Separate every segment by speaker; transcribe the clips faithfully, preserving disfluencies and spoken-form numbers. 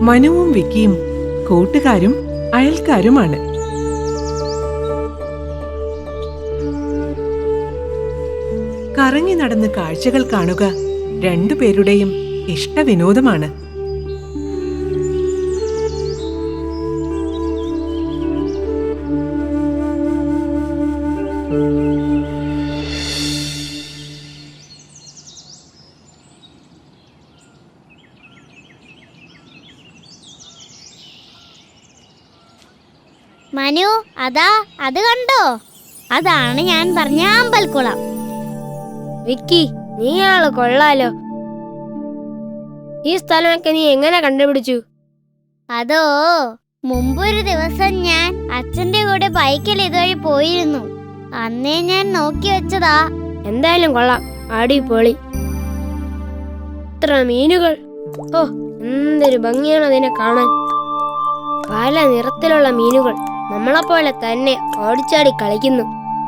Speaker 1: മനുവും വിക്കിയും കൂട്ടുകാരും അയൽക്കാരുമാണ്. കറങ്ങി നടന്ന് കാഴ്ചകൾ കാണുക രണ്ടുപേരുടെയും ഇഷ്ടവിനോദമാണ്.
Speaker 2: മനു, അതാ അത് കണ്ടോ? അതാണ് ഞാൻ പറഞ്ഞ അമ്പൽക്കുളം.
Speaker 3: വിക്കി, നീ ആള് കൊള്ളാലോ. ഈ സ്ഥലമൊക്കെ നീ എങ്ങനെ കണ്ടുപിടിച്ചു?
Speaker 2: അതോ, മുമ്പൊരു ദിവസം ഞാൻ അച്ഛന്റെ കൂടെ ബൈക്കിൽ ഇതുവഴി പോയിരുന്നു. അന്നേ ഞാൻ നോക്കി വെച്ചതാ.
Speaker 3: എന്തായാലും കൊള്ളാം, അടിപൊളി. ഇത്ര മീനുകൾ! ഓ, എന്തൊരു ഭംഗിയാണ് അതിനെ കാണാൻ. പല നിറത്തിലുള്ള മീനുകൾ നമ്മളെപ്പോലെ തന്നെ ഓടിച്ചാടി കളിക്കുന്നു.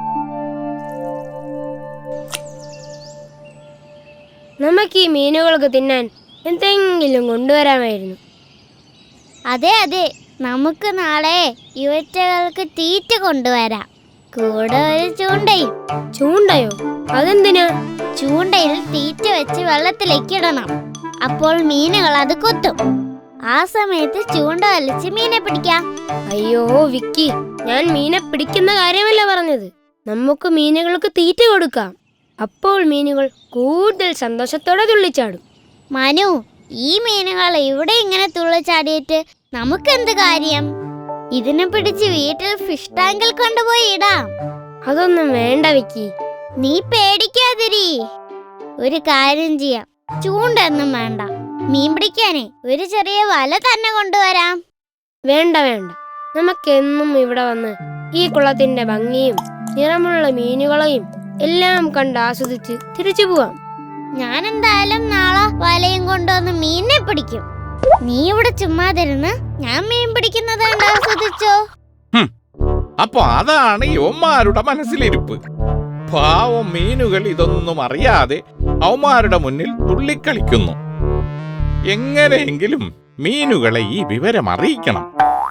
Speaker 3: നമുക്ക് ഈ മീനുകൾക്ക് തിന്നാൻ എന്തെങ്കിലും കൊണ്ടുവരാമായിരുന്നു.
Speaker 2: അതെ അതെ, നമുക്ക് നാളെ ഇവറ്റകൾക്ക് തീറ്റ കൊണ്ടുവരാം. കൂടെ ഒരു ചൂണ്ടയും.
Speaker 3: ചൂണ്ടയോ? അതെന്തിനാ?
Speaker 2: ചൂണ്ടയിൽ തീറ്റ വെച്ച് വെള്ളത്തിലേക്ക് ഇടണം. അപ്പോൾ മീനുകൾ അത് കൊത്തും. ആ സമയത്ത് ചൂണ്ട വലിച്ച് മീനെ പിടിക്കാം.
Speaker 3: അയ്യോ വിക്കി, ഞാൻ മീനെ പിടിക്കുന്ന കാര്യമല്ല പറഞ്ഞത്. നമുക്ക് മീനുകൾക്ക് തീറ്റ കൊടുക്കാം. അപ്പോൾ മീനുകൾ കൂടുതൽ സന്തോഷത്തോടെ തുള്ളിച്ചാടും.
Speaker 2: മനു, ഈ മീനുകൾ ഇവിടെ ഇങ്ങനെ തുള്ളിച്ചാടിയിട്ട് നമുക്കെന്ത് കാര്യം? ഇതിനെ പിടിച്ച് വീട്ടിൽ ഫിഷ് ടാങ്കിൽ കൊണ്ടുപോയി ഇടാം.
Speaker 3: അതൊന്നും വേണ്ട വിക്കി.
Speaker 2: നീ പേടിക്കാതിരി. ഒരു കാര്യം ചെയ്യാം, ചൂണ്ടൊന്നും വേണ്ട. മീൻ പിടിക്കാനേ ഒരു ചെറിയ വല തന്നെ കൊണ്ടുവരാം.
Speaker 3: വേണ്ട വേണ്ട, നമുക്കെന്നും ഇവിടെ വന്ന് ഈ കുളത്തിന്റെ ഭംഗിയും നിറമുള്ള മീനുകളെയും എല്ലാം കണ്ട് ആസ്വദിച്ച് തിരിച്ചു പോവാം.
Speaker 2: ഞാൻ എന്തായാലും നാളെ വലയും കൊണ്ടുവന്ന് മീനിനെ പിടിക്കും. നീ ഇവിടെ ചുമ്മാതിരുന്ന് ഞാൻ മീൻ പിടിക്കുന്നത് കണ്ട് ആസ്വദിച്ചോ.
Speaker 4: അപ്പൊ അതാണ് യോമാരുടെ മനസ്സിലിരിപ്പ്. പാവം മീനുകൾ ഇതൊന്നും അറിയാതെ അവന്മാരുടെ മുന്നിൽ തുള്ളിക്കളിക്കുന്നു. എങ്ങനെയെങ്കിലും മീനുകളെ ഈ വിവരം അറിയിക്കണം.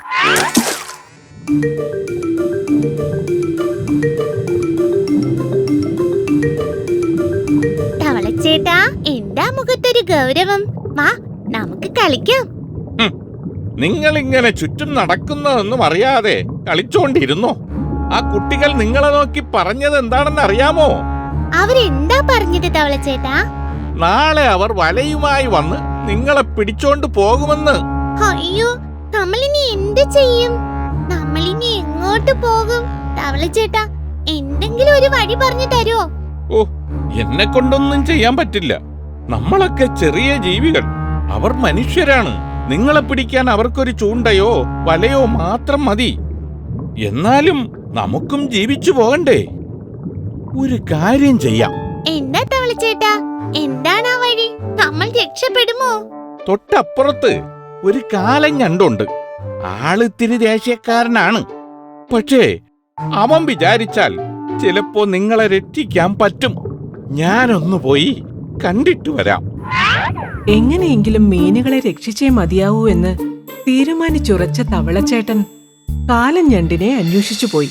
Speaker 2: തവളച്ചേട്ടാ, എന്താ മുഖത്തൊരു ഗൗരവം? വാ, നമുക്ക് കളിക്കാം.
Speaker 4: നിങ്ങൾ ഇങ്ങനെ ചുറ്റും നടക്കുന്നതൊന്നും അറിയാതെ കളിച്ചോണ്ടിരുന്നോ? ആ കുട്ടികൾ നിങ്ങളെ നോക്കി പറഞ്ഞത് എന്താണെന്ന് അറിയാമോ?
Speaker 2: അവരെന്താ പറഞ്ഞത് തവളച്ചേട്ടാ?
Speaker 4: നാളെ അവർ വലയുമായി വന്ന് നിങ്ങളെ പിടിച്ചോണ്ട് പോകുമെന്ന്.
Speaker 2: അയ്യോ, നമ്മളിനി എന്ത് ചെയ്യും? നമ്മളിനി എങ്ങോട്ട് പോകും? തവളച്ചേട്ടാ, എന്തെങ്കിലും ഒരു വഴി പറഞ്ഞു തരുമോ?
Speaker 4: ഓ, എന്നെ കൊണ്ടൊന്നും ചെയ്യാൻ പറ്റില്ല. നമ്മളൊക്കെ ചെറിയ ജീവികൾ, അവർ മനുഷ്യരാണ്. നിങ്ങളെ പിടിക്കാൻ അവർക്കൊരു ചൂണ്ടയോ വലയോ മാത്രം മതി. എന്നാലും നമുക്കും ജീവിച്ചു പോകണ്ടേ? ഒരു കാര്യം ചെയ്യാം.
Speaker 2: എന്താ തവളച്ചേട്ടാ, എന്താണ് ആ വഴി? നമ്മൾ രക്ഷപ്പെടുമോ?
Speaker 4: തൊട്ടപ്പുറത്ത് ഒരു കാലൻ ഞണ്ടുണ്ട്. ആളിത്തിരി ദേഷ്യക്കാരനാണ്. പക്ഷേ അവൻ വിചാരിച്ചാൽ ചിലപ്പോ നിങ്ങളെ രക്ഷിക്കാൻ പറ്റും. ഞാനൊന്നു പോയി കണ്ടിട്ട് വരാം.
Speaker 1: എങ്ങനെയെങ്കിലും മീനുകളെ രക്ഷിച്ചേ മതിയാവൂ എന്ന് തീരുമാനിച്ചുറച്ച തവളച്ചേട്ടൻ കാലൻ ഞണ്ടിനെ അന്വേഷിച്ചു പോയി.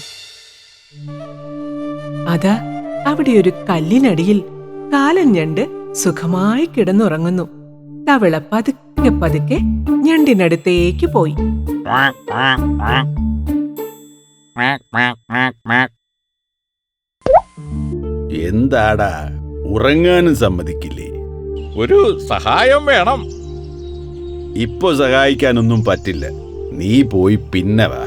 Speaker 1: അതാ അവിടെ ഒരു കല്ലിനടിയിൽ കാലൻ ഞണ്ട് സുഖമായി കിടന്നുറങ്ങുന്നു. തവള പതുക്കെ പതുക്കെ ഞണ്ടിനടുത്തേക്ക് പോയി.
Speaker 5: എന്താടാ, ഉറങ്ങാനും സമ്മതിക്കില്ലേ?
Speaker 4: ഒരു സഹായം വേണം.
Speaker 5: ഇപ്പൊ സഹായിക്കാനൊന്നും പറ്റില്ല. നീ പോയി പിന്നെ വാ.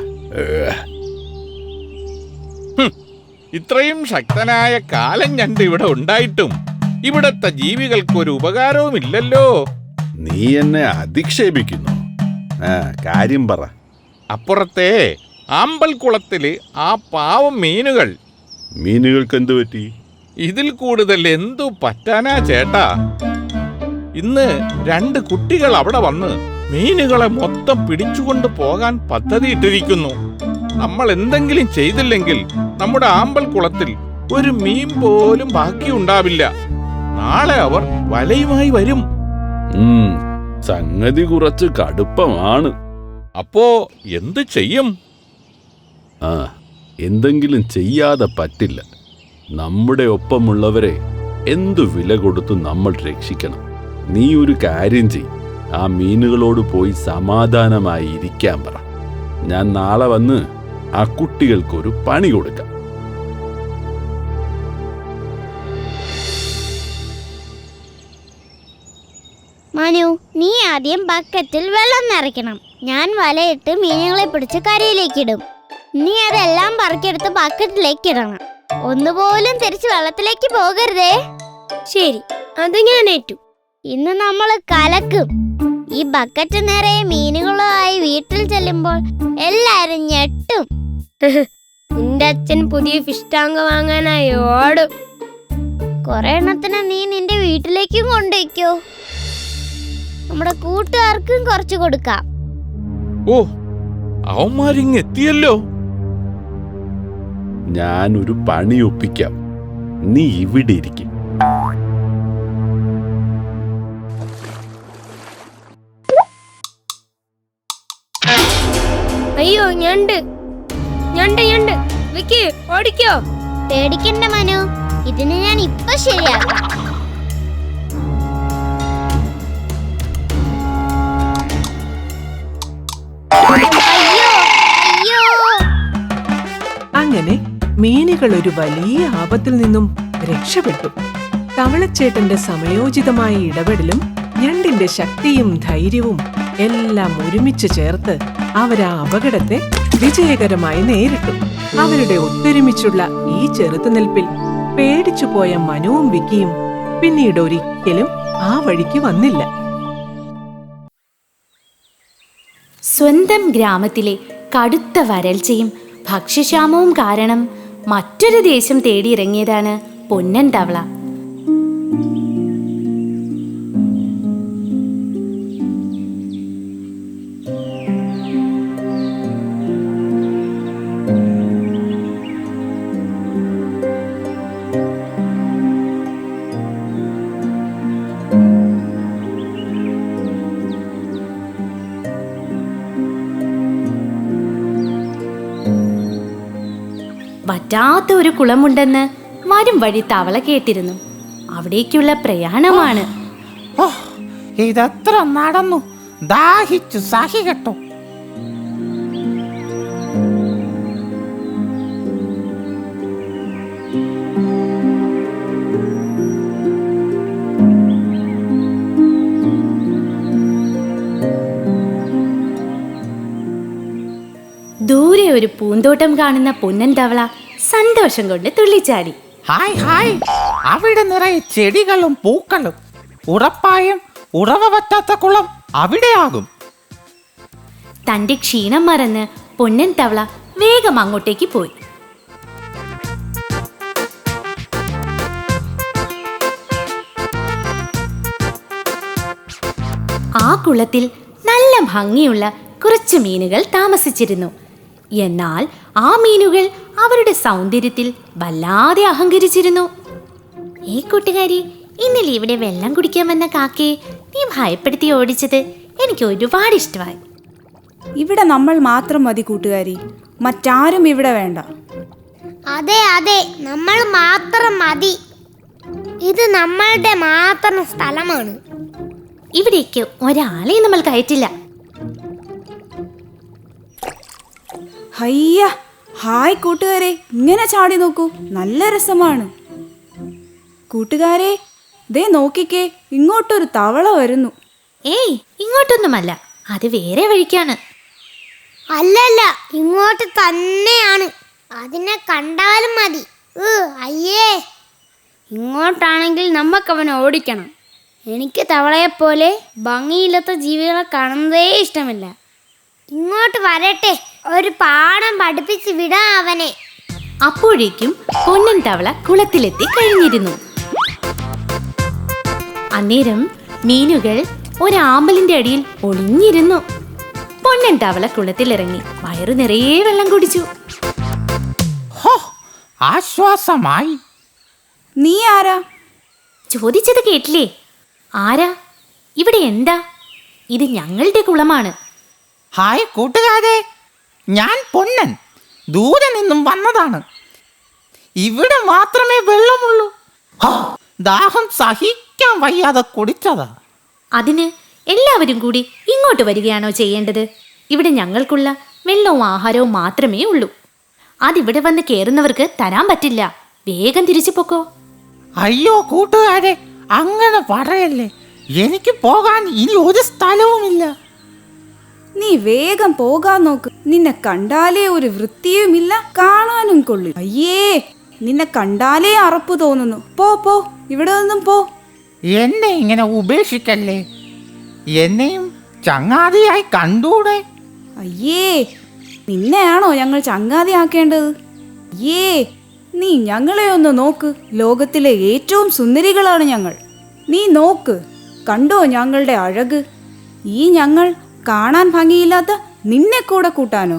Speaker 4: ഇത്രയും ശക്തനായ കാലൻ ഞണ്ട് ഇവിടെ ഉണ്ടായിട്ടും ഇവിടത്തെ ജീവികൾക്കൊരു ഉപകാരവുമില്ലല്ലോ.
Speaker 5: നീ എന്നെ അധിക്ഷേപിക്കുന്നു. ആ, കാര്യം പറ.
Speaker 4: അപ്പുറത്തെ ആമ്പൽക്കുളത്തില് ആ പാവം മീനുകൾ.
Speaker 5: മീനുകൾക്ക് എന്തു പറ്റി?
Speaker 4: ഇതിൽ കൂടുതൽ എന്തു പറ്റാനാ ചേട്ടാ? ഇന്ന് രണ്ട് കുട്ടികൾ അവിടെ വന്ന് മീനുകളെ മൊത്തം പിടിച്ചുകൊണ്ട് പോകാൻ പദ്ധതിയിട്ടിരിക്കുന്നു. നമ്മൾ എന്തെങ്കിലും ചെയ്തില്ലെങ്കിൽ നമ്മുടെ ആമ്പൽക്കുളത്തിൽ ഒരു മീൻ പോലും ബാക്കിയുണ്ടാവില്ല. നാളെ അവർ വലയുമായി വരും.
Speaker 5: സംഗതി കുറച്ച് കടുപ്പമാണ്.
Speaker 4: അപ്പോ എന്ത് ചെയ്യും?
Speaker 5: ആ, എന്തെങ്കിലും ചെയ്യാതെ പറ്റില്ല. നമ്മുടെ ഒപ്പമുള്ളവരെ എന്തു വില കൊടുത്തു നമ്മൾ രക്ഷിക്കണം. നീ ഒരു കാര്യം ചെയ്, ആ മീനുകളോട് പോയി സമാധാനമായി ഇരിക്കാൻ പറ. ഞാൻ നാളെ വന്ന് ആ കുട്ടികൾക്കൊരു പണി കൊടുക്കാം.
Speaker 2: മനു, നീ ആദ്യം ബക്കറ്റിൽ വെള്ളം നിറയ്ക്കണം. ഞാൻ വലയിട്ട് മീനുകളെ പിടിച്ച് കരയിലേക്കിടും. നീ അതെല്ലാം പറക്കിയെടുത്ത് ബക്കറ്റിലേക്ക് ഇടണം. ഒന്നുപോലും തിരിച്ച് വെള്ളത്തിലേക്ക് പോകരുതേ.
Speaker 3: ശരി, അത് ഞാൻ ഏറ്റു.
Speaker 2: ഇന്ന് നമ്മൾ കലക്കും. ഈ ബക്കറ്റ് നിറയെ മീനുകളുമായി വീട്ടിൽ ചെല്ലുമ്പോൾ എല്ലാരും ഞെട്ടും.
Speaker 3: നിന്റെ അച്ഛൻ പുതിയ ഫിഷ് ടാങ്ക് വാങ്ങാനായി ഓടും.
Speaker 2: കുറെ എണ്ണത്തിന് നീ നിന്റെ വീട്ടിലേക്കും കൊണ്ടുവയ്ക്കോ. നമ്മുടെ കൂട്ടുകാർക്കും കുറച്ച് കൊടുക്കാം.
Speaker 4: ഓ, അവന്മാരിങ് എത്തിയല്ലോ.
Speaker 5: ഞാനൊരു പണി ഒപ്പിക്കാം. നീ ഇവിടെ ഇരിക്കും.
Speaker 3: അയ്യോ, ഞണ്ട് ഞണ്ട് ഞണ്ട് വിക്കി, ഓടിക്കോ.
Speaker 2: പേടിക്കണ്ട മനു, ഇതിന് ഞാൻ ഇപ്പൊ ശരിയാക്കാം. അയ്യോ അയ്യോ.
Speaker 1: അങ്ങനെ മീനുകൾ ഒരു വലിയ ആപത്തിൽ നിന്നും രക്ഷപ്പെട്ടു. തവളച്ചേട്ടന്റെ സമയോചിതമായ ഇടപെടലും ഞണ്ടിന്റെ ശക്തിയും ധൈര്യവും എല്ലാം ഒരുമിച്ച് ചേർത്ത് അവരാ അപകടത്തെ വിജയകരമായി നേരിട്ടു. അവരുടെ ഒത്തൊരുമിച്ചുള്ള ഈ ചെറുത്തുനിൽപ്പിൽ പേടിച്ചുപോയ മനുവും വിക്കിയും പിന്നീട് ഒരിക്കലും ആ വഴിക്ക് വന്നില്ല.
Speaker 6: സ്വന്തം ഗ്രാമത്തിലെ കടുത്ത വരൾച്ചയും ഭക്ഷ്യക്ഷാമവും കാരണം മറ്റൊരു ദേശം തേടിയിറങ്ങിയതാണ് പൊന്നൻ തവള. വറ്റാത്ത ഒരു കുളമുണ്ടെന്ന് വരും വഴി തവള കേട്ടിരുന്നു. അവിടേക്കുള്ള പ്രയാണമാണ്.
Speaker 7: ഓ, ഇതെത്ര നടന്നു, ദാഹിച്ചു സഹി കെട്ടു.
Speaker 6: ദൂരെ ഒരു പൂന്തോട്ടം കാണുന്ന പൊന്നൻ തവള സന്തോഷം കൊണ്ട് തുള്ളിച്ചാടി.
Speaker 7: ഹായ് ഹായ്, അവിടെ നിറയെ ചെടികളും പൂക്കളും. ഉറപ്പായും ഉറവ പറ്റാത്ത കുളം അവിടെയാകും.
Speaker 6: തന്റെ ക്ഷീണം മറന്ന് പൊന്നൻ തവള വേഗം അങ്ങോട്ടേക്ക് പോയി. ആ കുളത്തിൽ നല്ല ഭംഗിയുള്ള കുറച്ച് മീനുകൾ താമസിച്ചിരുന്നു. എന്നാൽ ആ മീനുകൾ അവരുടെ സൗന്ദര്യത്തിൽ വല്ലാതെ അഹങ്കരിച്ചിരുന്നു. ഈ കൂട്ടുകാരി, ഇന്നലെ ഇവിടെ വെള്ളം കുടിക്കാൻ വന്ന കാക്കയെ നീ ഭയപ്പെടുത്തി ഓടിച്ചത് എനിക്ക് ഒരുപാട് ഇഷ്ടമായി.
Speaker 8: ഇവിടെ നമ്മൾ മാത്രം മതി കൂട്ടുകാരി, മറ്റാരും ഇവിടെ വേണ്ട.
Speaker 2: അതെ അതെ, നമ്മൾ മാത്രം മതി. ഇത് നമ്മളുടെ മാത്രം സ്ഥലമാണ്.
Speaker 6: ഇവിടേക്ക് ഒരാളെയും നമ്മൾ കയറ്റില്ല.
Speaker 8: ഹയ്യ, ഹായ് കൂട്ടുകാരെ, ഇങ്ങനെ ചാടി നോക്കൂ, നല്ല രസമാണ്. കൂട്ടുകാരെ, ദേ നോക്കിക്കേ, ഇങ്ങോട്ടൊരു തവള വരുന്നു.
Speaker 6: ഏയ്, ഇങ്ങോട്ടൊന്നുമല്ല, അത് വേറെ വഴിക്കാണ്.
Speaker 2: അല്ലല്ല, ഇങ്ങോട്ട് തന്നെയാണ്. അതിനെ കണ്ടാലും മതി. അയ്യേ,
Speaker 3: ഇങ്ങോട്ടാണെങ്കിൽ നമുക്ക് അവനെ ഓടിക്കണം. എനിക്ക് തവളയെപ്പോലെ ഭംഗിയില്ലാത്ത ജീവികളെ കാണുന്നതേ ഇഷ്ടമില്ല.
Speaker 2: ഇങ്ങോട്ട് വരട്ടെ, ഒരു പാഠം പഠിപ്പിച്ച് വിടാം അവനെ.
Speaker 6: അപ്പോഴേക്കും പൊന്നൻ തവള കുളത്തിലെത്തി കഴിഞ്ഞിരുന്നു. അന്നേരം മീനുകൾ ഒരാമ്പലിന്റെ അടിയിൽ ഒളിഞ്ഞിരുന്നു. പൊന്നൻ തവള കുളത്തിലിറങ്ങി വയറു നിറയെ വെള്ളം കുടിച്ചു.
Speaker 7: ഹോ, ആശ്വാസമായി.
Speaker 8: നീ ആരാ?
Speaker 6: ചോദിച്ചത് കേട്ടില്ലേ? ആരാ? ഇവിടെ എന്താ? ഇത് ഞങ്ങളുടെ കുളമാണ്.
Speaker 7: ഹായ് കൂട്ടുകാരെ, ഞാൻ പൊന്നൻ ദൂരെ നിന്നും വന്നതാണ്. ഇവിടെ മാത്രമേ വെള്ളമുള്ളൂ. ഹാ, ദാഹം സഹിക്കാൻ വയ്യാതെ കുടിച്ചതാ.
Speaker 6: അതിന് എല്ലാവരും കൂടി ഇങ്ങോട്ട് വരികയാണോ ചെയ്യേണ്ടത്? ഇവിടെ ഞങ്ങൾക്കുള്ള വെള്ളവും ആഹാരവും മാത്രമേ ഉള്ളൂ. അതിവിടെ വന്ന് കയറുന്നവർക്ക് തരാൻ പറ്റില്ല. വേഗം തിരിച്ചു പൊക്കോ.
Speaker 7: അയ്യോ കൂട്ടുകാരെ, അങ്ങനെ പറയല്ലേ. എനിക്ക് പോകാൻ ഇനി ഒരു സ്ഥലവുമില്ല.
Speaker 8: നീ വേഗം പോകാൻ നോക്ക്. നിന്നെ കണ്ടാലേ ഒരു വൃത്തിയുമില്ല, കാണാനും കൊള്ളു. അയ്യേ, നിന്നെ കണ്ടാലേ അറപ്പ് തോന്നുന്നു. പോ പോ, ഇവിടെ നിന്നും പോ.
Speaker 7: എന്നെ ഇങ്ങനെ ഉപേക്ഷിക്കല്ലേ. എന്നെയും ചങ്ങാതിയായി കണ്ടൂടെ?
Speaker 8: അയ്യേ, നിന്നെയാണോ ഞങ്ങൾ ചങ്ങാതിയാക്കേണ്ടത്? അയ്യേ, നീ ഞങ്ങളെ ഒന്ന് നോക്ക്. ലോകത്തിലെ ഏറ്റവും സുന്ദരികളാണ് ഞങ്ങൾ. നീ നോക്ക്, കണ്ടോ ഞങ്ങളുടെ അഴക്? ഈ ഞങ്ങൾ കാണാൻ ഭംഗിയില്ലാത്ത നിന്നെ കൂടെ കൂട്ടാനോ?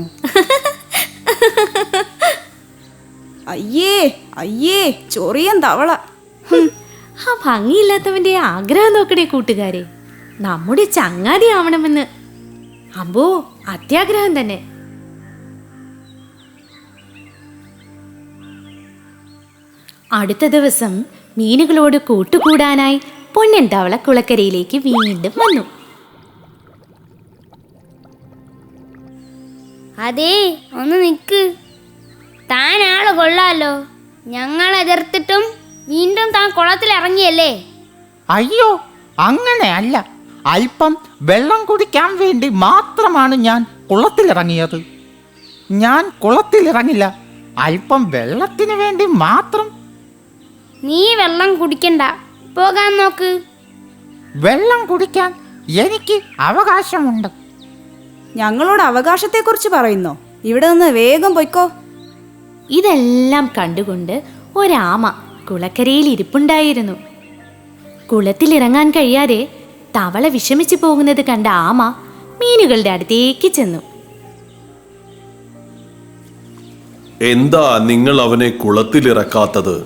Speaker 8: അയ്യേ അയ്യേ, ചൊറിയൻ തവള.
Speaker 6: ആ ഭംഗിയില്ലാത്തവന്റെ ആഗ്രഹം നോക്കണേ കൂട്ടുകാരെ, നമ്മുടെ ചങ്ങാതി ആവണമെന്ന്. അമ്പോ, അത്യാഗ്രഹം തന്നെ. അടുത്ത ദിവസം മീനുകളോട് കൂട്ടുകൂടാനായി പൊന്നൻ തവള കുളക്കരയിലേക്ക് വീണ്ടും വന്നു.
Speaker 2: അതേ, ഒന്ന് നിക്ക്. താൻ ആള് കൊള്ളാലോ. ഞങ്ങൾ എതിർത്തിട്ടും വീണ്ടും താൻ കുളത്തിൽ ഇറങ്ങിയല്ലേ?
Speaker 7: അയ്യോ, അങ്ങനെയല്ല. അല്പം വെള്ളം കുടിക്കാൻ വേണ്ടി മാത്രമാണ് ഞാൻ കുളത്തിലിറങ്ങിയത്. ഞാൻ കുളത്തിലിറങ്ങില്ല, അല്പം വെള്ളത്തിന് വേണ്ടി മാത്രം.
Speaker 2: നീ വെള്ളം കുടിക്കണ്ട, പോകാൻ നോക്ക്.
Speaker 7: വെള്ളം കുടിക്കാൻ എനിക്ക് അവകാശമുണ്ട്.
Speaker 8: ഞങ്ങളോട് അവകാശത്തെക്കുറിച്ച് പറയുന്നോ? ഇവിടെ നിന്ന് വേഗം പൊയ്ക്കോ.
Speaker 6: ഇതെല്ലാം കണ്ടുകൊണ്ട് ഒരാമ കുളക്കരയിൽ ഇരിപ്പുണ്ടായിരുന്നു. കുളത്തിലിറങ്ങാൻ കഴിയാതെ തവള വിഷമിച്ചു പോകുന്നത് കണ്ട ആമ മീനുകളുടെ അടുത്തേക്ക് ചെന്നു.
Speaker 5: എന്താ നിങ്ങൾ അവനെ കുളത്തിലിറക്കാത്തത്?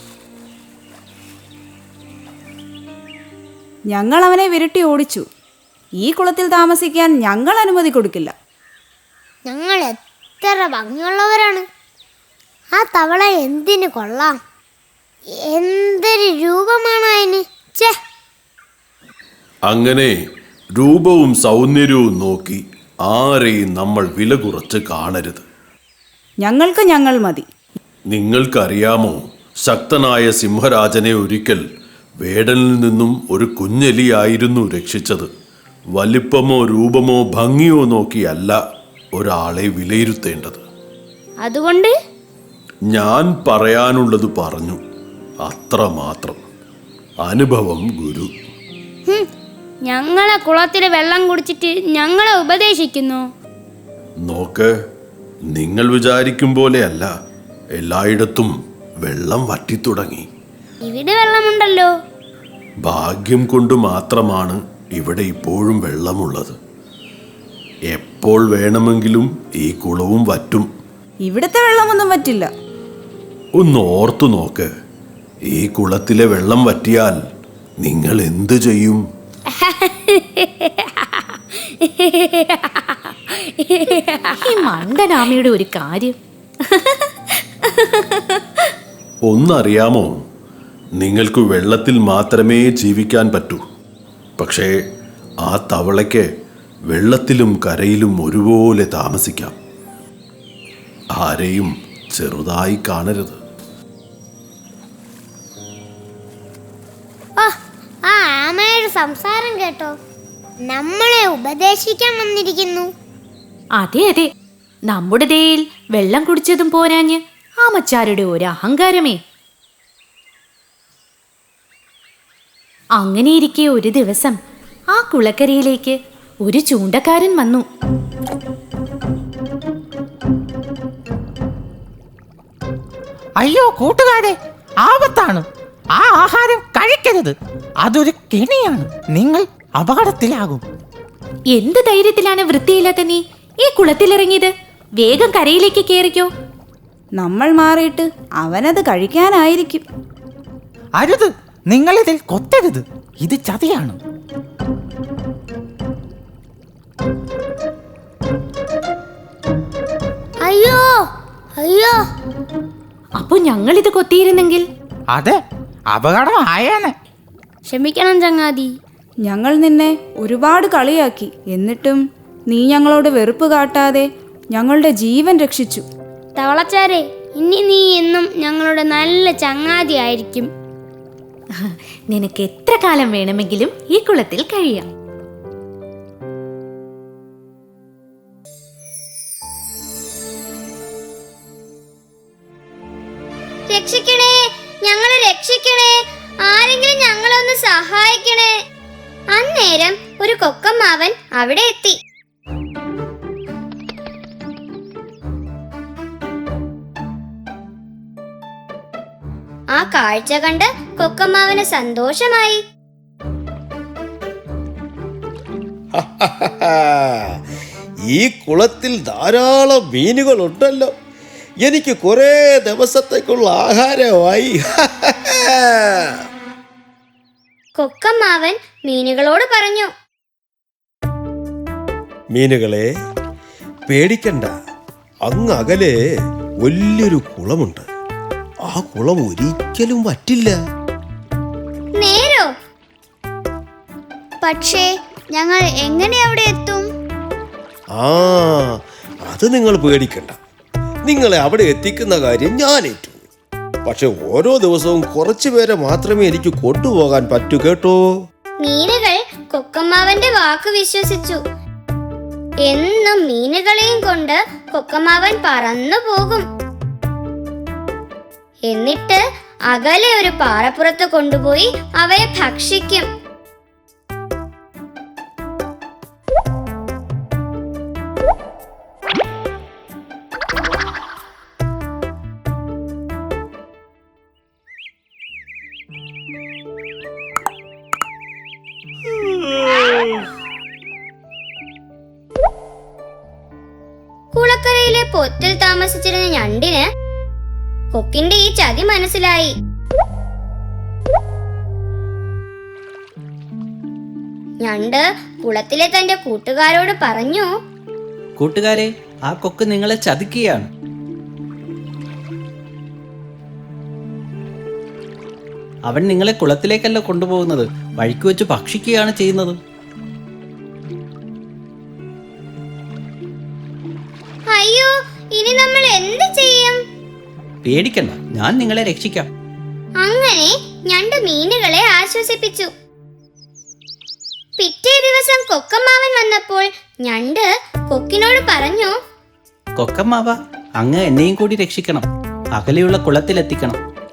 Speaker 8: ഞങ്ങൾ അവനെ വിരട്ടി ഓടിച്ചു. ഈ കുളത്തിൽ താമസിക്കാൻ ഞങ്ങൾ അനുമതി കൊടുക്കില്ല.
Speaker 2: ഞങ്ങൾ എത്ര ഭംഗിയുള്ളവരാണ്. ആ തവള എന്തിനു കൊള്ളാം. എന്തൊരു രൂപമാണ് അതിന്. ചേ,
Speaker 5: അങ്ങനെ രൂപവും സൗന്ദര്യവും നോക്കി ആരെയും നമ്മൾ വില കുറച്ച് കാണരുത്.
Speaker 8: ഞങ്ങൾക്ക് ഞങ്ങൾ മതി.
Speaker 5: നിങ്ങൾക്കറിയാമോ, ശക്തനായ സിംഹരാജനെ ഒരിക്കൽ വേടനിൽ നിന്നും ഒരു കുഞ്ഞെലിയായിരുന്നു രക്ഷിച്ചത്. വലിപ്പമോ രൂപമോ ഭംഗിയോ നോക്കിയല്ല ഒരാളെ വിലയിരുത്തേണ്ടത്.
Speaker 2: അതുകൊണ്ട്
Speaker 5: ഞാൻ പറയാനുള്ളത് പറഞ്ഞു, അത്രമാത്രം. അനുഭവം ഗുരു.
Speaker 2: ഹും, ഞങ്ങളെ കുളത്തിൽ വെള്ളം കുടിച്ചിട്ട് ഞങ്ങളെ ഉപദേശിക്കുന്നു.
Speaker 5: നോക്ക്, നിങ്ങൾ വിചാരിക്കും പോലെയല്ല, എല്ലായിടത്തും വെള്ളം വറ്റിത്തുടങ്ങി.
Speaker 2: ഇവിടെ വെള്ളമുണ്ടല്ലോ.
Speaker 5: ഭാഗ്യം കൊണ്ട് മാത്രമാണ് ഇവിടെ ഇപ്പോഴും വെള്ളമുള്ളത്. എപ്പോൾ വേണമെങ്കിലും ഈ കുളവും വറ്റും.
Speaker 8: ഇവിടുത്തെ വെള്ളമൊന്നും പറ്റില്ല.
Speaker 5: ഒന്ന് ഓർത്തു നോക്ക്, ഈ കുളത്തിലെ വെള്ളം വറ്റിയാൽ നിങ്ങൾ എന്തു ചെയ്യും?
Speaker 6: ഈ മണ്ടനാമയുടെ ഒരു കാര്യം.
Speaker 5: ഒന്നറിയാമോ, നിങ്ങൾക്ക് വെള്ളത്തിൽ മാത്രമേ ജീവിക്കാൻ പറ്റൂ. പക്ഷേ ആ തവളയ്ക്ക് വെള്ളത്തിലും കരയിലും ഒരുപോലെ താമസിക്കാം. ആരെയും ചെറുതായി കാണരുത്.
Speaker 2: ആ ആമയുടെ സംസാരം കേട്ടോ, നമ്മളെ ഉപദേശിക്കാൻ വന്നിരിക്കുന്നു.
Speaker 6: അതെ അതെ, നമ്മുടെ ദേയിൽ വെള്ളം കുടിച്ചതും പോരാഞ്ഞ് ആമച്ചാരുടെ ഒരു അഹങ്കാരമേ. അങ്ങനെയിരിക്കെ ഒരു ദിവസം ആ കുളക്കരയിലേക്ക് ഒരു ചൂണ്ടക്കാരൻ വന്നു.
Speaker 7: അയ്യോ കൂട്ടുകാരെ, ആപത്താണ്. ആ ആഹാരം കഴിക്കരുത്. അതൊരു കെണിയാണ്. നിങ്ങൾ അപകടത്തിലാകും.
Speaker 6: എന്ത് ധൈര്യത്തിലാണ് വൃത്തിയില്ലാത്ത നീ ഈ കുളത്തിലിറങ്ങിയത്? വേഗം കരയിലേക്ക് കയറിക്കോ.
Speaker 8: നമ്മൾ മാറിയിട്ട് അവനത് കഴിക്കാനായിരിക്കും.
Speaker 7: അരുത്, നിങ്ങളിതിൽ കൊത്തരുത്. ഇത് ചതിയാണ്.
Speaker 2: അയ്യോ,
Speaker 6: അപ്പൊ ഞങ്ങളിത് കൊത്തിയിരുന്നെങ്കിൽ
Speaker 7: അതെ, അപകടം ആയേനെ.
Speaker 3: ക്ഷമിക്കണം ചങ്ങാതി.
Speaker 8: ഞങ്ങൾ നിന്നെ ഒരുപാട് കളിയാക്കി, എന്നിട്ടും നീ ഞങ്ങളോട് വെറുപ്പ് കാട്ടാതെ ഞങ്ങളുടെ ജീവൻ രക്ഷിച്ചു.
Speaker 3: തവളച്ചാരെ, ഇനി നീ എന്നും ഞങ്ങളുടെ നല്ല ചങ്ങാതി ആയിരിക്കും.
Speaker 6: നിനക്ക് എത്ര കാലം വേണമെങ്കിലും ഈ കുളത്തിൽ കഴിയാം.
Speaker 2: രക്ഷിക്കണേ, ഞങ്ങളെ രക്ഷിക്കണേ, ആരെങ്കിലും ഞങ്ങളെ ഒന്ന് സഹായിക്കണേ. അന്നേരം ഒരു കൊക്കമ്മാവൻ അവിടെ എത്തി. ആ കാഴ്ച കണ്ട് കൊക്കമ്മാവന് സന്തോഷമായി.
Speaker 9: ഈ കുളത്തിൽ ധാരാളം മീനുകളുണ്ടല്ലോ, എനിക്ക് കുറേ ദിവസത്തേക്കുള്ള ആഹാരമായി.
Speaker 2: കൊക്കമ്മാവൻ മീനുകളോട് പറഞ്ഞു,
Speaker 9: മീനുകളെ, പേടിക്കണ്ട. അങ്ങ് അകലെ വലിയൊരു കുളമുണ്ട്. ആ കുളം ഒരിക്കലും വറ്റില്ല.
Speaker 2: നേരോ? പക്ഷേ ഞങ്ങൾ എങ്ങനെ അവിടെ എത്തും?
Speaker 9: ആ അത് നിങ്ങൾ പേടിക്കണ്ട. നിങ്ങളെ അവിടെ എത്തിക്കുന്ന കാര്യം ഞാൻ ഏറ്റു. പക്ഷെ ഓരോ ദിവസവും കുറച്ചു പേരെ മാത്രമേ എനിക്ക് കൊണ്ടുപോകാൻ പറ്റൂ കേട്ടോ.
Speaker 2: മീനുകൾ കൊക്കമ്മാവന്റെ വാക്ക് വിശ്വസിച്ചു. എന്നും മീനുകളെയും കൊണ്ട് കൊക്കമ്മാവൻ പറന്നു പോകും. എന്നിട്ട് അകലെ ഒരു പാറപ്പുറത്ത് കൊണ്ടുപോയി അവയെ ഭക്ഷിക്കും. കുളക്കരയിലെ പൊത്തിൽ താമസിച്ചിരുന്ന ഞണ്ടിന് കൊക്കിന്റെ ഈ ചതി മനസ്സിലായി. ഞണ്ട് കുളത്തിലെ തന്റെ കൂട്ടുകാരോട് പറഞ്ഞു,
Speaker 10: കൂട്ടുകാരെ, ആ കൊക്ക് നിങ്ങളെ ചതിക്കുകയാണ്. അവൻ നിങ്ങളെ കുളത്തിലേക്കല്ല കൊണ്ടുപോകുന്നത്, വഴിക്ക് വെച്ച് ഭക്ഷിക്കുകയാണ് ചെയ്യുന്നത്.
Speaker 2: അയ്യോ, ഇനി നമ്മൾ എന്ത് ചെയ്യും?
Speaker 10: പേടിക്കണ്ട, ഞാൻ നിങ്ങളെ രക്ഷിക്കാം.
Speaker 2: അങ്ങനെ ഞണ്ട് മീനുകളെ ആശ്വസിപ്പിച്ചു. പിറ്റേ ദിവസം കൊക്കമ്മാവൻ വന്നപ്പോൾ ഞണ്ട് കൊക്കിനോട് പറഞ്ഞു,
Speaker 10: കൊക്കമ്മാവ, അങ്ങ് എന്നെയും കൂടി രക്ഷിക്കണം. അകലെയുള്ള കുളത്തിലെത്തിക്കണം.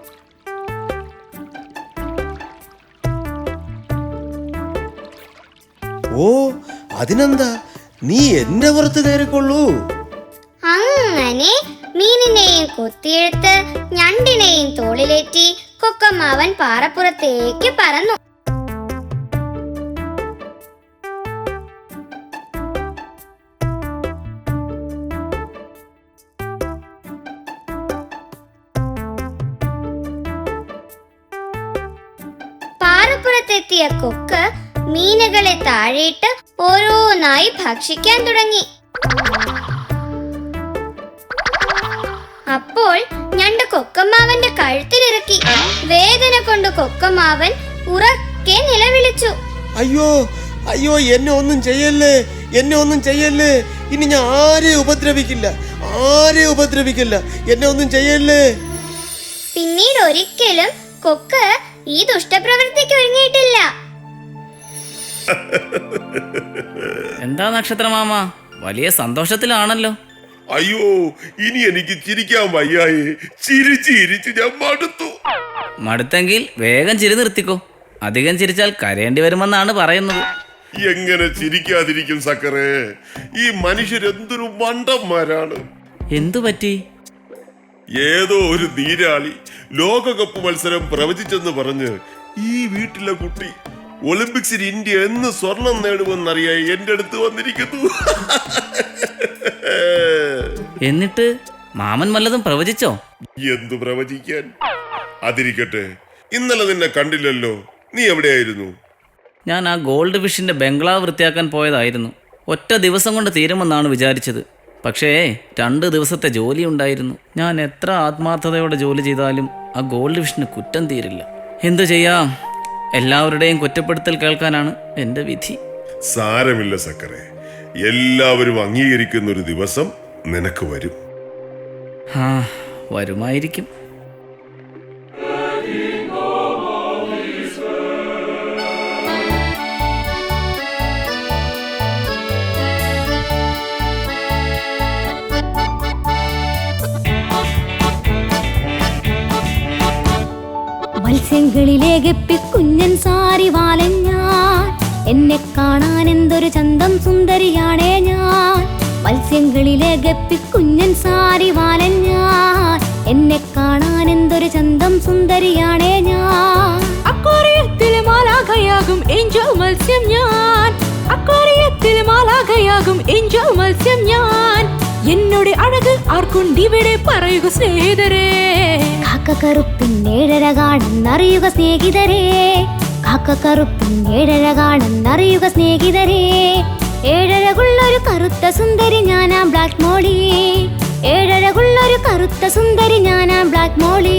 Speaker 9: ഓ, അതിനെന്താ, നീ എന്റെ പുറത്ത് കയറിക്കൊള്ളൂ.
Speaker 2: അങ്ങനെ മീനിനെയും കൊത്തിയെടുത്ത് ഞണ്ടിനെയും തോളിലേറ്റി കൊക്കമ്മാവൻ പാറപ്പുറത്തേക്ക് പറന്നു. പാറപ്പുറത്തെത്തിയ കൊക്ക് മീനുകളെ താഴെയിട്ട് ഓരോന്നായി ഭക്ഷിക്കാൻ തുടങ്ങി. അപ്പോൾ ഞണ്ട് കൊക്കമ്മാവന്റെ കഴുത്തിലിറക്കി. വേദന കൊണ്ട് കൊക്കമ്മാവൻ ഉറക്കെ നിലവിളിച്ചു,
Speaker 9: അയ്യോ അയ്യോ, എന്നെ ഒന്നും ചെയ്യല്ലേ, എന്നെ ഒന്നും ചെയ്യല്ലേ. ഇനി ഞാൻ ആരെയും ഉപദ്രവിക്കില്ല, ആരെയും ഉപദ്രവിക്കില്ല, എന്നെ ഒന്നും ചെയ്യല്ലേ.
Speaker 2: പിന്നീട് ഒരിക്കലും കൊക്ക് ഈ ദുഷ്ടപ്രവൃത്തിക്ക് ഒരുങ്ങിയിട്ടില്ല.
Speaker 11: എന്താ നക്ഷത്രമാമ, വലിയ സന്തോഷത്തിലാണല്ലോ.
Speaker 12: അയ്യോ, ഇനി എനിക്ക് ചിരിക്കാൻ വയ്യായി. ചിരിച്ച് ചിരിച്ച് ഞാൻ മടുത്തു.
Speaker 11: മടുത്തെങ്കിൽ വേഗം ചിരി നിർത്തിക്കോ. അധികം ചിരിച്ചാൽ കരയേണ്ടി വരുമെന്നാണ് പറയുന്നത്.
Speaker 12: എങ്ങനെ ചിരിക്കാതിരിക്കും സക്കറേ? ഈ മനുഷ്യരെന്തൊരു മണ്ടന്മാരാണ്.
Speaker 11: എന്തു പറ്റി?
Speaker 12: ഏതോ ഒരു നീരാളി ലോകകപ്പ് മത്സരം പ്രവചിച്ചെന്ന് പറഞ്ഞ് ഈ വീട്ടിലെ കുട്ടി ഒളിമ്പിക്സിൽ ഇന്ത്യ എന്ന് സ്വർണം നേടുമെന്നറിയാൻ എന്റെ അടുത്ത് വന്നിരിക്കുന്നു.
Speaker 11: എന്നിട്ട് മാമൻ വല്ലതും പ്രവചിച്ചോ?
Speaker 12: എന്തു പ്രവചിക്കാൻ? അതിരിക്കട്ടെ, ഇന്നലെ നിന്നെ കണ്ടില്ലല്ലോ. നീ എവിടെയായിരുന്നു?
Speaker 11: ഞാൻ ആ ഗോൾഡ് ഫിഷിന്റെ ബംഗ്ലാവ് വൃത്തിയാക്കാൻ പോയതായിരുന്നു. ഒറ്റ ദിവസം കൊണ്ട് തീരുമെന്നാണ് വിചാരിച്ചത്. പക്ഷേ രണ്ട് ദിവസത്തെ ജോലി ഉണ്ടായിരുന്നു. ഞാൻ എത്ര ആത്മാർത്ഥതയോടെ ജോലി ചെയ്താലും ആ ഗോൾഡ് ഫിഷിന് കുറ്റം തീരില്ല. എന്തു ചെയ്യാം, എല്ലാവരുടെയും കുറ്റപ്പെടുത്തൽ കേൾക്കാനാണ് എൻ്റെ വിധി.
Speaker 12: സാരമില്ല സക്കറെ, എല്ലാവരും അംഗീകരിക്കുന്ന ഒരു ദിവസം നിനക്ക് വരും.
Speaker 11: ആ, വരുമായിരിക്കും.
Speaker 6: മത്സ്യങ്ങളിലെ ഗപ്പി കുഞ്ഞൻ സാരി വാലൻ ഞാൻ, എന്നെ കാണാൻ എന്തൊരു ചന്തം സുന്ദരിയാണേ ഞാൻ. മത്സ്യങ്ങളിലെ ഗപ്പി കുഞ്ഞൻ സാരി വാലൻ ഞാൻ, എന്നെ കാണാൻ എന്തൊരു ചന്തം സുന്ദരിയാണേ ഞാൻ.
Speaker 13: അക്വാറിയത്തിൽ മാലാഖയാകും ഏഞ്ചൽ മത്സ്യം ഞാൻ, അക്വാറിയത്തിൽ മാലാഖയാകും ഏഞ്ചൽ മത്സ്യം ഞാൻ. എന്നോട് അഴക് ആർക്കുണ്ടിവിടെ പറയുക സ്നേഹിതരേ.
Speaker 6: കാക്കക്കറുപ്പിൻ ഏഴര കാണുന്നറിയുക സ്നേഹിതരേ, കാക്കക്കറുപ്പിൻ ഏഴര കാണുന്നറിയുക സ്നേഹിതരേ. ഏഴരകുള്ളൊരു കറുത്ത സുന്ദരി ഞാനാ ബ്ലാക്ക് മോളി, ഏഴരകുള്ളൊരു കറുത്ത സുന്ദരി ഞാനാ ബ്ലാക്ക് മോളി.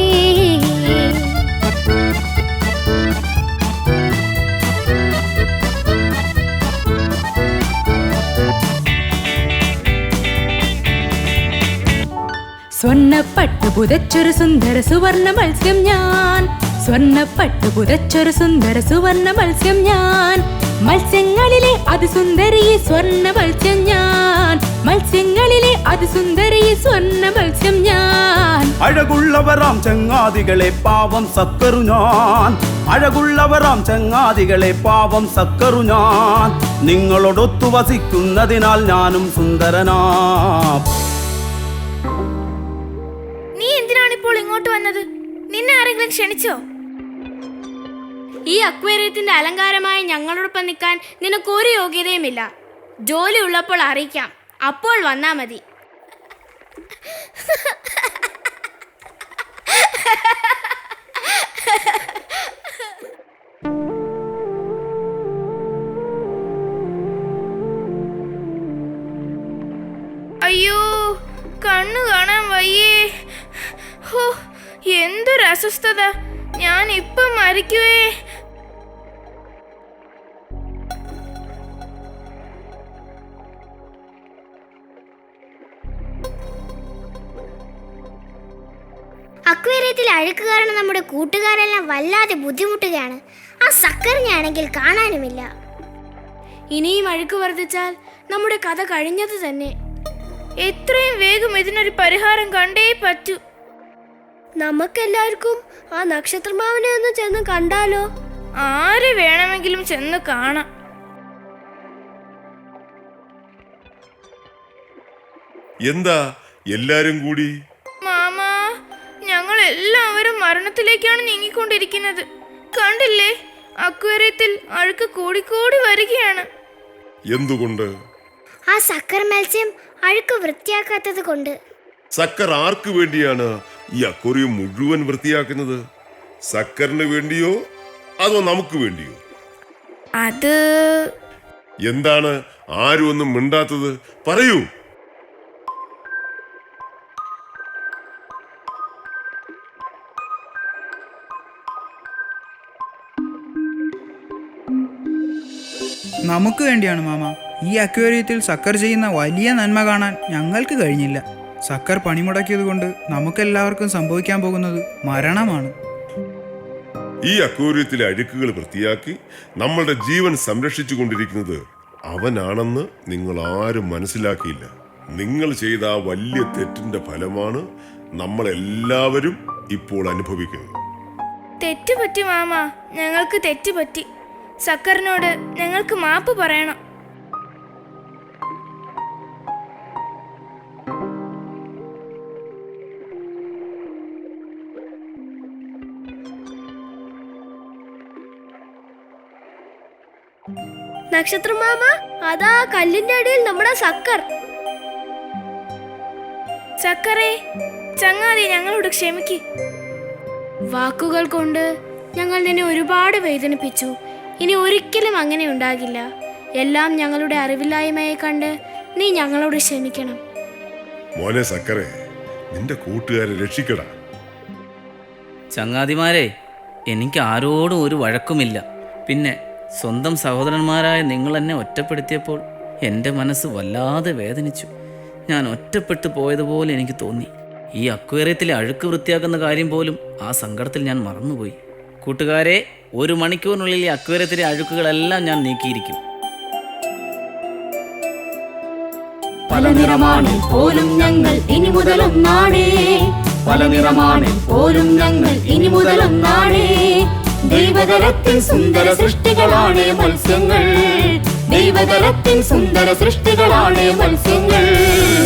Speaker 13: സ്വർണ്ണപ്പട്ട് പുതച്ചൊരു സുന്ദര സുവർണ മത്സ്യം ഞാൻ, സ്വർണ്ണപ്പട്ട് പുതച്ചൊരു സുന്ദര സുവർണ മത്സ്യം ഞാൻ. മത്സ്യങ്ങളിലെ അതിസുന്ദരി സ്വർണ്ണ മത്സ്യം ഞാൻ, മത്സ്യങ്ങളിലെ അതിസുന്ദരി സ്വർണ്ണ മത്സ്യം ഞാൻ.
Speaker 14: അഴകുള്ളവരാം ചങ്ങാതികളെ പാവം സക്കറു ഞാൻ, അഴകുള്ളവരാം ചങ്ങാതികളെ പാവം സക്കറു ഞാൻ. നിങ്ങളോടൊത്തു വസിക്കുന്നതിനാൽ ഞാനും സുന്ദരനാ.
Speaker 3: നീ എന്തിനാണിപ്പോൾ ഇങ്ങോട്ട് വന്നത്? നിന്നെ ആരെങ്കിലും ക്ഷണിച്ചോ? ഈ അക്വേറിയത്തിന്റെ അലങ്കാരമായി ഞങ്ങളോടൊപ്പം നിൽക്കാൻ നിനക്ക് ഒരു യോഗ്യതയുമില്ല. ജോലി ഉള്ളപ്പോൾ അറിയിക്കാം, അപ്പോൾ വന്നാ മതി. അയ്യോ, കണ്ണു കാണാൻ വയ്യേ. ഹോ, എന്തൊരു അസ്വസ്ഥത. ഞാൻ ഇപ്പം മരിക്കുവേ.
Speaker 2: അക്വേറിയത്തിൽ അഴുക്ക് കാരണം നമ്മുടെ കൂട്ടുകാരെല്ലാം വല്ലാതെ ബുദ്ധിമുട്ടുകയാണ്. ആ സക്കറിനാണെങ്കിൽ കാണാനുമില്ല.
Speaker 3: ഇനിയും അഴുക്ക് വർദ്ധിച്ചാൽ നമ്മുടെ കഥ കഴിഞ്ഞത് തന്നെ. എത്രയും വേഗം ഇതിനൊരു പരിഹാരം കണ്ടേ പറ്റൂ. നമുക്കെല്ലാവർക്കും ആ നക്ഷത്രമാവിനെ ഒന്ന് ചെന്ന് കണ്ടാലോ? ആര് വേണമെങ്കിലും ചെന്ന് കാണാം.
Speaker 12: എന്താ എല്ലാരും കൂടി?
Speaker 3: മാമാ, ഞങ്ങൾ എല്ലാവരും മരണത്തിലേക്കാണ് നീങ്ങിക്കൊണ്ടിരിക്കുന്നത്. കണ്ടില്ലേ, അക്വേറിയത്തിൽ അഴുക്ക് കൂടിക്കൂടി വരികയാണ്.
Speaker 12: എന്തുകൊണ്ട്?
Speaker 2: ആ സക്കർ മത്സ്യം അഴുക്ക് വൃത്തിയാക്കാത്തത് കൊണ്ട്.
Speaker 12: സക്കർ ആർക്ക് വേണ്ടിയാണ് ഈ അക്വേറിയം മുഴുവൻ വൃത്തിയാക്കുന്നത്? സക്കറിന് വേണ്ടിയോ അതോ നമുക്ക് വേണ്ടിയോ?
Speaker 3: അത്
Speaker 12: എന്താണ് ആരും ഒന്നും മിണ്ടാത്തത്? പറയൂ.
Speaker 15: നമുക്ക് വേണ്ടിയാണ് മാമ. ഈ അക്വേറിയത്തിൽ സക്കർ ചെയ്യുന്ന വലിയ നന്മ കാണാൻ ഞങ്ങൾക്ക് കഴിഞ്ഞില്ല. സക്കർ പണിമുടക്കിയത് കൊണ്ട് നമുക്കെല്ലാവർക്കും സംഭവിക്കാൻ പോകുന്നത് മരണമാണ്.
Speaker 12: ഈ അക്വേറിയത്തിലെ അഴുക്കുകൾ വൃത്തിയാക്കി നമ്മളുടെ ജീവൻ സംരക്ഷിച്ചു കൊണ്ടിരിക്കുന്നത് അവനാണെന്ന് നിങ്ങൾ ആരും മനസ്സിലാക്കിയില്ല. നിങ്ങൾ ചെയ്ത ആ വലിയ തെറ്റിന്റെ ഫലമാണ് നമ്മളെല്ലാവരും ഇപ്പോൾ അനുഭവിക്കുന്നത്.
Speaker 3: തെറ്റുപറ്റി മാമ, ഞങ്ങൾക്ക് തെറ്റുപറ്റി. സക്കറിനോട് ഞങ്ങൾക്ക് മാപ്പ് പറയണം. നക്ഷത്രമാമ, അതാ കല്ലിന്റെ അടിയിൽ നമ്മുടെ സക്കർ. സക്കറേ, ചങ്ങാതി, ഞങ്ങളോട് ക്ഷമിക്ക്. വാക്കുകൾ കൊണ്ട് ഞങ്ങൾ നിന്നെ ഒരുപാട് വേദനിപ്പിച്ചു. ഇനി ഒരിക്കലും അങ്ങനെ ഉണ്ടാകില്ല. എല്ലാം ഞങ്ങളുടെ അറിവില്ലായ്മയെ കണ്ട് നീ ഞങ്ങളോട് ക്ഷമിക്കണം.
Speaker 12: മോനെ സക്കറെ, നിന്റെ കൂട്ടുകാരെ രക്ഷിക്കടാ.
Speaker 11: ചങ്ങാതിമാരെ, എനിക്ക് ആരോടും ഒരു വഴക്കുമില്ല. പിന്നെ സ്വന്തം സഹോദരന്മാരായ നിങ്ങൾ എന്നെ ഒറ്റപ്പെടുത്തിയപ്പോൾ എൻ്റെ മനസ്സ് വല്ലാതെ വേദനിച്ചു. ഞാൻ ഒറ്റപ്പെട്ടു പോയതുപോലെ എനിക്ക് തോന്നി. ഈ അക്വേറിയത്തിലെ അഴുക്ക് വൃത്തിയാക്കുന്ന കാര്യം പോലും ആ സങ്കടത്തിൽ ഞാൻ മറന്നുപോയി. കൂട്ടുകാരെ, ഒരു മണിക്കൂറിനുള്ളിൽ ഈ അക്വേറിയത്തിലെ അഴുക്കുകളെല്ലാം ഞാൻ നീക്കിയിരിക്കും.
Speaker 13: പല നിറമാണിൽ പോലും ഞങ്ങൾ ഇനി മുതലൊന്നാടേ, പല നിറമാണിൽ പോലും ഞങ്ങൾ ഇനി മുതലൊന്നാടേ. ദൈവതലത്തിൽ സുന്ദര സൃഷ്ടികളാണ് മത്സ്യങ്ങൾ, ദൈവതലത്തിൽ സുന്ദര സൃഷ്ടികളാണ് മത്സ്യങ്ങൾ.